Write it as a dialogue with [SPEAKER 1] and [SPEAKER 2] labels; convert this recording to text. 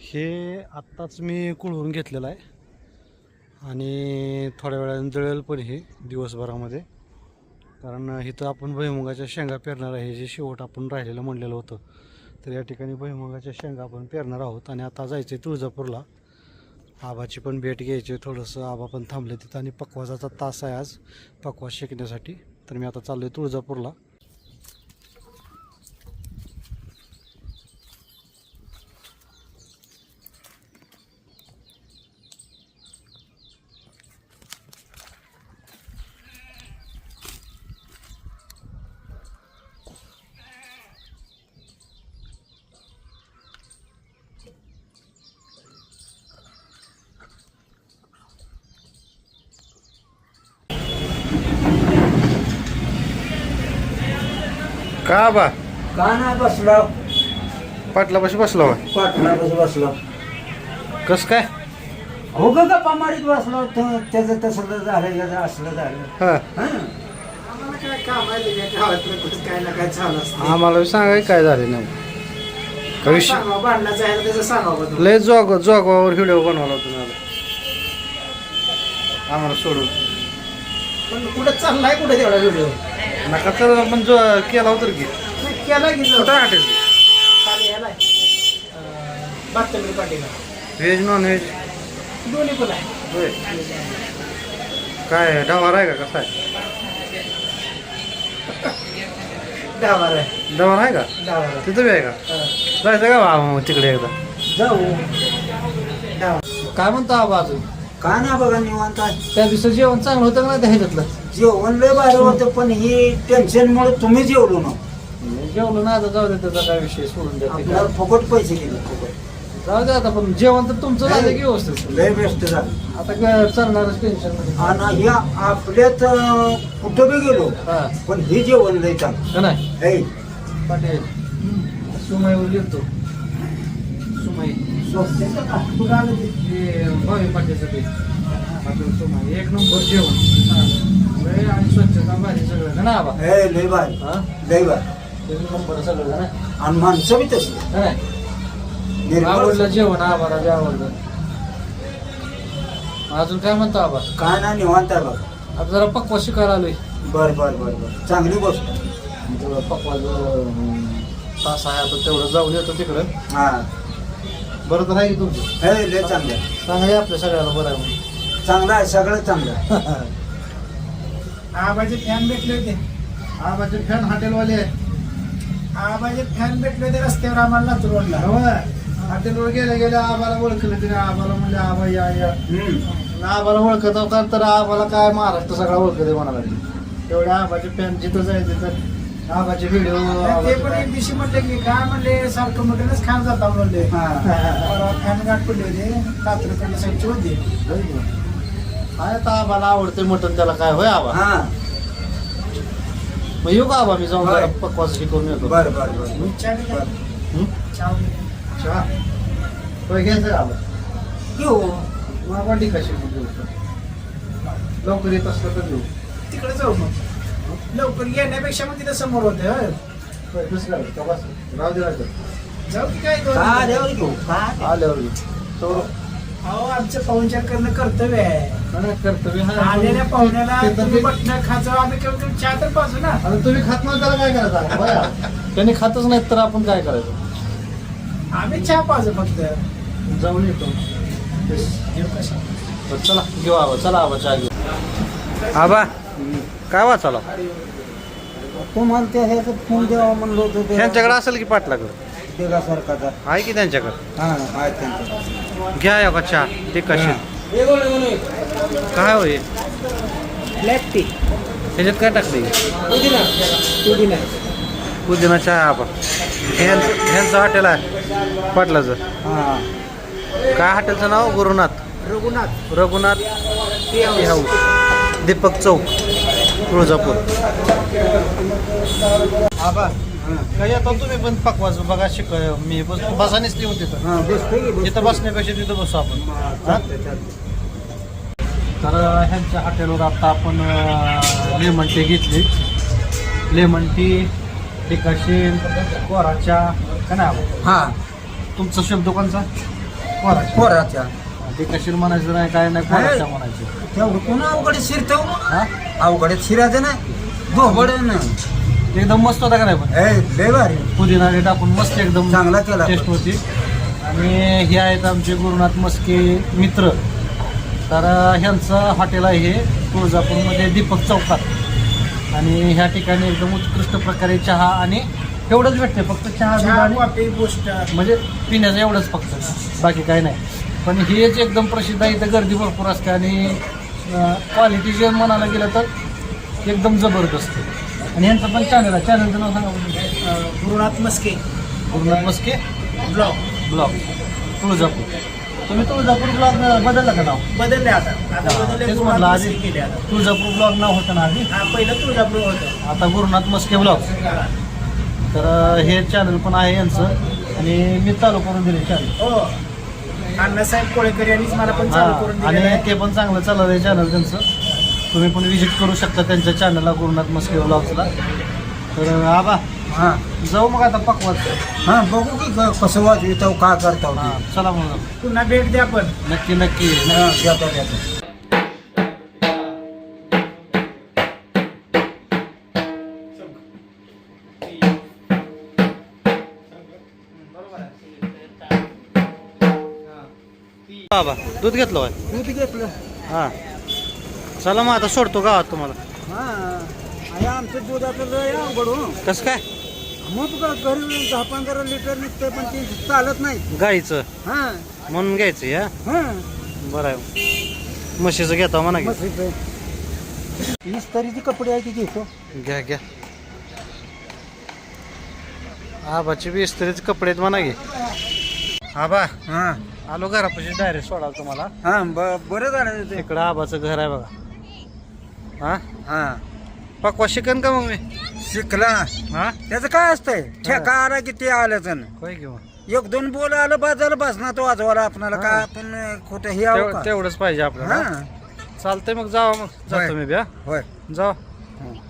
[SPEAKER 1] हे आत्ताच मी कुळवून घेतलेलं आहे आणि थोड्या वेळाने जळेल पण हे दिवसभरामध्ये, कारण इथं आपण भुईमुगाच्या शेंगा पेरणार आहे. हे जे शेवट आपण राहिलेलं म्हणलेलं होतं, तर या ठिकाणी भुईमुगाच्या शेंगा आपण पेरणार आहोत. आणि आता जायचं आहे तुळजापूरला, आबाची पण भेट घ्यायची आहे. थोडंसं आबा पण थांबले तिथं आणि पकवाजाचा तास आहे आज पकवाज शिकण्यासाठी. तर मी आता चाललो आहे तुळजापूरला. का बा
[SPEAKER 2] का नाही बसलो
[SPEAKER 1] पाटलापाशी बसला होय?
[SPEAKER 2] पाटलापाशी बसलो
[SPEAKER 1] कस काय?
[SPEAKER 2] हो ग गप्पा मारीत बसलो त्याचं तसलं झालं याचं असलं झालं.
[SPEAKER 1] हा,
[SPEAKER 2] आम्हाला काय काम आहे त्याच्या गावातलं कुठं काय ना काय चालू असतं.
[SPEAKER 1] आम्हाला सांगाय काय झाले नाही का विषय?
[SPEAKER 2] सांगावं भांडणाचं आहे त्याचं सांगावं.
[SPEAKER 1] लय जोगावर व्हिडिओ बनवला होता आम्हाला सोडून.
[SPEAKER 2] पण कुठं चाललाय कुठे तेवढा व्हिडिओ
[SPEAKER 1] नका तर आपण जो केला होता की
[SPEAKER 2] केला की
[SPEAKER 1] कुठं हॉटेल?
[SPEAKER 2] खाली याला बातमी पाटीला
[SPEAKER 1] व्हेज नॉन व्हेज
[SPEAKER 2] दोन्ही पण आहे.
[SPEAKER 1] होय. काय डवार आहे का कसा आहे?
[SPEAKER 2] डावार आहे
[SPEAKER 1] डवार आहे का?
[SPEAKER 2] डावार आहे.
[SPEAKER 1] तिथं बी आहे का? जायचं का बाबा मग तिकडे एकदा?
[SPEAKER 2] जाऊ डाव
[SPEAKER 3] काय म्हणतो आबा अजून?
[SPEAKER 2] का ना बघा निवांत आहे.
[SPEAKER 3] त्या दिवसाचं जेवण चांगलं होतं का नाही त्या ह्याच्यातलं?
[SPEAKER 2] जेवण लय भारी होतं पण ही टेन्शनमुळे तुम्ही जेवलो ना.
[SPEAKER 3] जेवलं ना, आता जाऊ दे, त्याचा काय विषय सोडून द्या.
[SPEAKER 2] आपल्याला फुकट पैसे गेले फुकट.
[SPEAKER 3] जाऊ दे आता, पण जेवण तर तुमचं झालं की व्यवस्थित.
[SPEAKER 2] लय बेस्ट झालं.
[SPEAKER 3] आता काय चालणारच टेन्शन मध्ये
[SPEAKER 2] आणि ह्या आपल्यात कुठं बी गेलो
[SPEAKER 3] हा
[SPEAKER 2] पण हे जेवण लय चांगलं.
[SPEAKER 3] का नाही
[SPEAKER 2] हे
[SPEAKER 3] पाटील? सुमाईवर गेलतो. सुमाई
[SPEAKER 2] स्वस्ताचं का? कुठं आलं ते?
[SPEAKER 3] हे भावी पाटीलसाठी पाटील सुमाई एक नंबर जेवण. लय आणि स्वच्छता भारी सगळं का ना आबा?
[SPEAKER 2] हे लय भारी
[SPEAKER 3] हा
[SPEAKER 2] लय भारी.
[SPEAKER 3] एक नंबर सगळं का ना?
[SPEAKER 2] आणि माणसं बी तसली
[SPEAKER 3] का नाही?
[SPEAKER 2] निर्मळ.
[SPEAKER 3] आवडलं जेवण आबाला बी आवडलं. अजून काय म्हणतो आबा?
[SPEAKER 2] काय ना निवांत आहे बघा.
[SPEAKER 3] आता जरा पक्वा शिकायला आलोय.
[SPEAKER 2] बर बर बर बर चांगली गोष्ट.
[SPEAKER 3] तेवढं पक्वा तास आहे आता, तेवढं जाऊन येतो तिकडं.
[SPEAKER 2] हा
[SPEAKER 3] बरं तर आहे की तुमचं?
[SPEAKER 2] हे लय चांगलं आहे.
[SPEAKER 3] सांगा आपल्या सगळ्याला बरं आहे म्हणून.
[SPEAKER 2] चांगलं आहे सगळं चांगलं आहे.
[SPEAKER 4] आबाचे फॅन भेटले होते.
[SPEAKER 3] आबाचे फॅन हॉटेलवाले आहे.
[SPEAKER 4] आबाचे फॅन भेटले होते रस्त्यावर आम्हाला लातूर रोडला.
[SPEAKER 3] हॉटेलवर गेल्या आबाला ओळखलं तिने. आबाला म्हणजे आबा या आबाला ओळखत का, तर आबाला काय महाराष्ट्र सगळा ओळखत म्हणाला. तेवढ्या आबाचे फॅन जिथं जायचे तर आबाचे व्हिडिओ.
[SPEAKER 4] ते पण एक दिवशी म्हटले की काय म्हणले सारखं मटणच खायला जाता म्हणले.
[SPEAKER 2] हा
[SPEAKER 4] फॅन गाठ पडले होते लातूरकडे साईडचे होते.
[SPEAKER 3] काय आता आबाला आवडते मटण, त्याला काय होय आबा?
[SPEAKER 2] हा
[SPEAKER 3] मग येऊ का आबा? मी जाऊन
[SPEAKER 2] होय.
[SPEAKER 3] जरा पक्वास शिकवून येतो.
[SPEAKER 2] बर बर बर
[SPEAKER 4] चहा बी घ्या.
[SPEAKER 3] हं?
[SPEAKER 4] चहा बी.
[SPEAKER 3] चहा होय घ्यायचं का आबा?
[SPEAKER 2] येऊ
[SPEAKER 3] मला वाटली कशी लवकर येत असलं तर येऊ.
[SPEAKER 4] तिकडे जाऊ मग. लवकर येण्यापेक्षा मग तिथे समोर होते.
[SPEAKER 3] होय, दुसरं काय? का बस? राहू दे राहू दे.
[SPEAKER 4] जाऊ की काय
[SPEAKER 2] का देवर घेऊ का
[SPEAKER 3] आल्यावर येऊ. तो
[SPEAKER 4] अहो आमचं पाहुणचार करणं कर्तव्य आहे.
[SPEAKER 3] कर्तव्य आहे.
[SPEAKER 4] आलेल्या पाहुण्याला
[SPEAKER 3] ते तर
[SPEAKER 4] तुम्ही
[SPEAKER 3] ते-
[SPEAKER 4] बटणं खायचं आम्ही कमी कमी चहा तर पाजू ना.
[SPEAKER 3] आता तुम्ही खात नाही त्याला काय करायचं बया? त्यांनी खातच नाहीत तर आपण काय करायचं?
[SPEAKER 4] आम्ही चहा पाजू फक्त.
[SPEAKER 3] जाऊन येतो.
[SPEAKER 4] घेऊ कशा.
[SPEAKER 3] बरं, चला घेऊ आबा. चला आबा चहा घेऊ.
[SPEAKER 1] आबा काय वाचाला?
[SPEAKER 2] तुम्हाला त्या ह्याचं फोन द्यावा म्हणलं होतं ते
[SPEAKER 1] त्यांच्याकडे असेल की पाटलाकडे?
[SPEAKER 2] देगासारखाचा.
[SPEAKER 1] आहे की त्यांच्याकडे?
[SPEAKER 2] हा आहेत त्यांचं.
[SPEAKER 1] घ्या या का चहा ते कशी काय होय?
[SPEAKER 4] Black tea.
[SPEAKER 1] ह्याच्यात काय टाकले? पुदिना चहा आबा. ह्यांचं हॉटेल आहे पाटलाचं.
[SPEAKER 2] हा
[SPEAKER 1] काय हॉटेलचं नाव? गुरुनाथ रघुनाथ टी हाऊस, दीपक चौक, तुळजापूर. आबा काय येतो तुम्ही पण पकवाज बघा शिक. मी बसानेच लिहून तिथं.
[SPEAKER 2] हा बसतोय की
[SPEAKER 1] तिथं बसण्यापेक्षा तिथं बसू आपण. हा? तर ह्यांच्या हॉटेलवर आता आपण लेमन टी घेतली. लेमन टी, टिकाशील, कोराच्या का नाही?
[SPEAKER 2] हा
[SPEAKER 1] तुमचा शब्द कोणचा? पोराच्या
[SPEAKER 2] पोराच्या
[SPEAKER 1] ते कशीर म्हणायचं नाही काय नाही पोराच्या म्हणायचं.
[SPEAKER 2] तेवढं पुन्हा अवघडे शिरतो
[SPEAKER 1] हा
[SPEAKER 2] अवघडे शिरायचं नाही धोबड नाही
[SPEAKER 1] एकदम मस्त होता का नाही पण
[SPEAKER 2] लय भारी
[SPEAKER 1] पुदिना हे टाकून मस्त एकदम
[SPEAKER 2] चांगला केला
[SPEAKER 1] टेस्ट होती. आणि हे आहेत आमचे गुरुनाथ मस्के मित्र. तर ह्यांचं हॉटेल आहे हे तुळजापूरमध्ये दीपक चौकात. आणि ह्या ठिकाणी एकदम उत्कृष्ट प्रकारे चहा आणि एवढंच भेटते फक्त चहा दूध
[SPEAKER 4] चहा
[SPEAKER 1] आणि
[SPEAKER 4] कॉफी पोस्टर
[SPEAKER 1] म्हणजे पिण्याचं एवढंच फक्त बाकी काही नाही. पण हेच एकदम प्रसिद्ध आहे. इथं गर्दी भरपूर असते आणि क्वालिटी जे म्हणायला गेलं तर एकदम जबरदस्त. आणि यांचं पण चॅनल आहे. चॅनलचं नाव सांगा बरं.
[SPEAKER 4] Gurunath Maske
[SPEAKER 1] Gurunath Maske
[SPEAKER 4] blog
[SPEAKER 1] blog Tuljapur. तुम्ही तुळजापूर ब्लॉग बदललं का नाव?
[SPEAKER 4] बदलले आता बदलले
[SPEAKER 1] तेच
[SPEAKER 4] गुरुनाथ
[SPEAKER 1] म्हटलं आधी
[SPEAKER 4] मस्के केले आता.
[SPEAKER 1] तुळजापूर ब्लॉग नाव होतं ना आधी.
[SPEAKER 4] हा पहिलं तुळजापूर होतं.
[SPEAKER 1] आता गुरुनाथ मस्के ब्लॉग. तर हे चॅनल पण आहे यांचं आणि मी चालू करून दिले चॅनल.
[SPEAKER 4] हो अण्णासाहेब कोळेकर यांनीच मला पण चालू करून
[SPEAKER 1] आणि
[SPEAKER 4] दिलेलं आहे.
[SPEAKER 1] ते पण चांगलं चाललं आहे चॅनल त्यांचं. तुम्ही पण व्हिजिट करू शकता त्यांच्या चॅनलला गुरुनाथ मस्के ब्लॉग्सला. तर आबा
[SPEAKER 2] हां
[SPEAKER 1] जाऊ मग आता पकवात.
[SPEAKER 2] हां बघू की कसं वाजवितो काय करता
[SPEAKER 1] हां चला मग
[SPEAKER 4] पुन्हा भेट द्या पण.
[SPEAKER 1] नक्की नक्की.
[SPEAKER 2] देतो देतो
[SPEAKER 1] बाबा दूध घेतलं होय.
[SPEAKER 2] दूध घेतलं
[SPEAKER 1] हां चला मग आता सोडतो गावात तुम्हाला.
[SPEAKER 2] हां आणि आमचं दुधाचं लय अवघड हो
[SPEAKER 1] कसं काय
[SPEAKER 2] मग घरी 10-15 लिटर निघतंय पण ते चालत नाही
[SPEAKER 1] गाईचं
[SPEAKER 2] हां
[SPEAKER 1] म्हणून घ्यायचं या.
[SPEAKER 2] हां
[SPEAKER 1] बरं आहे म्हशीचं घेता म्हणा की.
[SPEAKER 2] इस्त्रीचे कपडे आहे की घेतो
[SPEAKER 1] घ्या घ्या. आबाची बी इस्त्रीचे कपडे आहेत म्हणा की. आबा
[SPEAKER 2] हां
[SPEAKER 1] आलो घरापाशी डायरेक्ट सोडाल तुम्हाला.
[SPEAKER 2] हां बरं झालं ते
[SPEAKER 1] इकडं आबाचं घर आहे बघा. हां
[SPEAKER 2] हां
[SPEAKER 1] पकवा शिकन का मग मी.
[SPEAKER 2] शिकला
[SPEAKER 1] हां
[SPEAKER 2] त्याचं काय असतंय ठेका आला की ते आलंच ना
[SPEAKER 1] होय किंवा
[SPEAKER 2] 1-2 बोल आलं बाजाला बसणार तो वाजवायला आपणाला काय आपण खोटं हे आहो का?
[SPEAKER 1] तेवढंच पाहिजे आपल्याला.
[SPEAKER 2] हां
[SPEAKER 1] चालतंय मग जावा मग जातो
[SPEAKER 2] होय.
[SPEAKER 1] मी बी. हा
[SPEAKER 2] होय
[SPEAKER 1] जावा.
[SPEAKER 2] हां.